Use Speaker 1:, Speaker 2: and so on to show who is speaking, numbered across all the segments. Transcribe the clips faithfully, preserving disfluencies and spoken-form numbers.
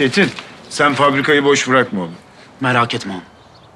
Speaker 1: Çetin, sen fabrikayı boş bırakma oğlum.
Speaker 2: Merak etme ağam.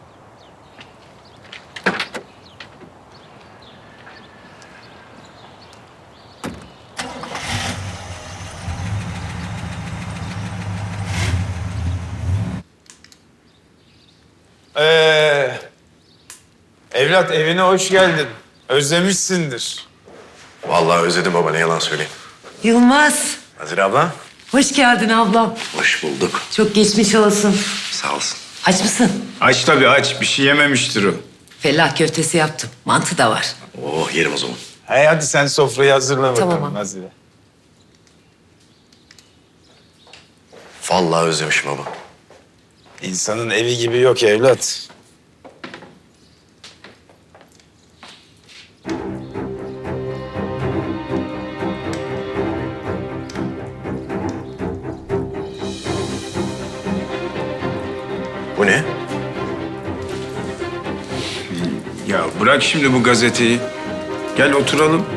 Speaker 3: Ee, evlat evine hoş geldin. Özlemişsindir.
Speaker 4: Vallahi özledim baba, ne yalan söyleyeyim.
Speaker 5: Yılmaz,
Speaker 4: Nazire abla.
Speaker 5: hoş geldin ablam.
Speaker 4: Hoş bulduk.
Speaker 5: Çok geçmiş olsun.
Speaker 4: Sağ olsun.
Speaker 5: Aç mısın?
Speaker 1: Aç tabii aç, bir şey yememiştir o.
Speaker 5: Fellah köftesi yaptım. Mantı da var.
Speaker 4: Oh, yerim o zaman.
Speaker 3: Hey, hadi sen sofrayı hazırla bakalım
Speaker 5: Tamam.
Speaker 3: Nazire.
Speaker 4: Vallahi özlemişim baba.
Speaker 3: İnsanın evi gibi yok evlat.
Speaker 4: Bu ne?
Speaker 1: Ya bırak şimdi bu gazeteyi. Gel oturalım.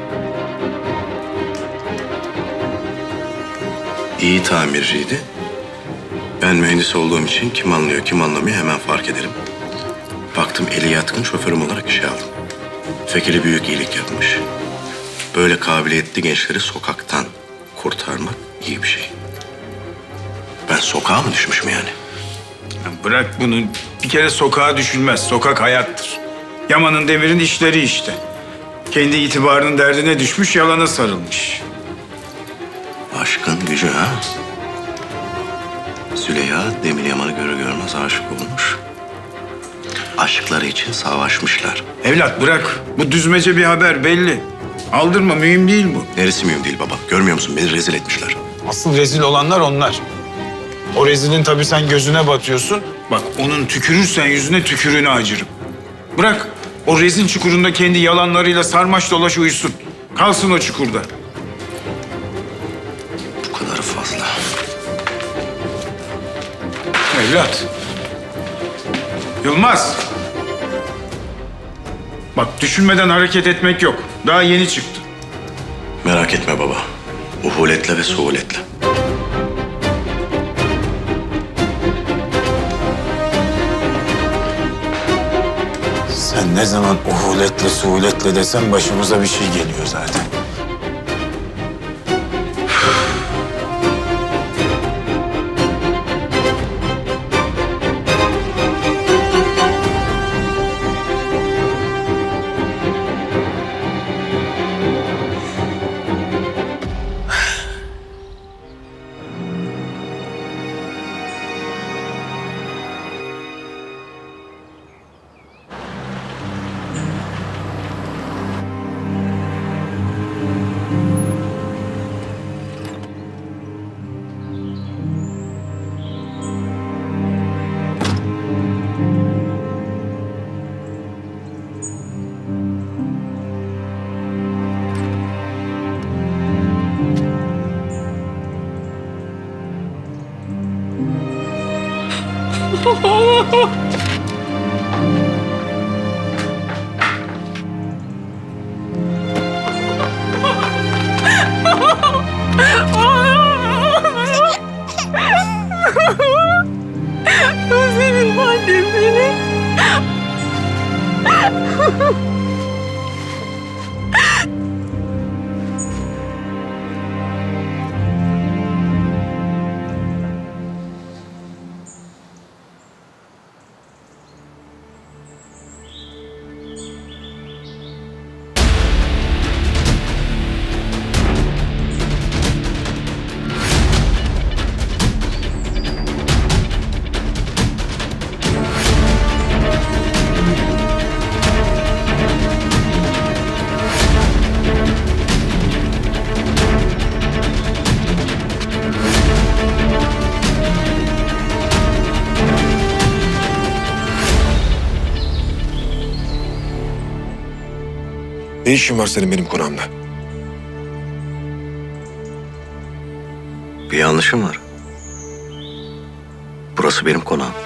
Speaker 4: İyi tamirciydi. Ben mühendis olduğum için kim anlıyor kim anlamıyor hemen fark ederim. Baktım eli yatkın, şoförüm olarak işe aldım. Fekeli büyük iyilik yapmış. Böyle kabiliyetli gençleri sokaktan kurtarmak iyi bir şey. Ben sokağa mı düşmüşüm yani?
Speaker 1: Ya bırak bunu. Bir kere sokağa düşünmez. Sokak hayattır. Yaman'ın Demir'in işleri işte. Kendi itibarının derdine düşmüş, yalana sarılmış.
Speaker 4: Aşkın gücü ha? Züleyha Demir Yaman'ı görür görmez aşık olmuş. Aşkları için savaşmışlar.
Speaker 1: Evlat bırak. Bu düzmece bir haber belli. Aldırma, mühim değil bu.
Speaker 4: Neresi mühim değil baba. Görmüyor musun? Beni rezil etmişler.
Speaker 3: Asıl rezil olanlar onlar. O rezilin tabii sen gözüne batıyorsun.
Speaker 1: Bak onun tükürürsen yüzüne tükürüğünü acırım. Bırak o rezil çukurunda kendi yalanlarıyla sarmaş dolaş uyusun. Kalsın o çukurda.
Speaker 4: Bu kadarı fazla.
Speaker 1: Evlat. Yılmaz. Bak düşünmeden hareket etmek yok. Daha yeni çıktı.
Speaker 4: Merak etme baba. Uhuletle ve suhuletle.
Speaker 3: Sen ne zaman uhuletle suhuletle desen başımıza bir şey geliyor zaten.
Speaker 5: Özledim annem beni.
Speaker 6: Ne işin var senin benim konağımda?
Speaker 4: Bir yanlışım var. Burası benim konağım.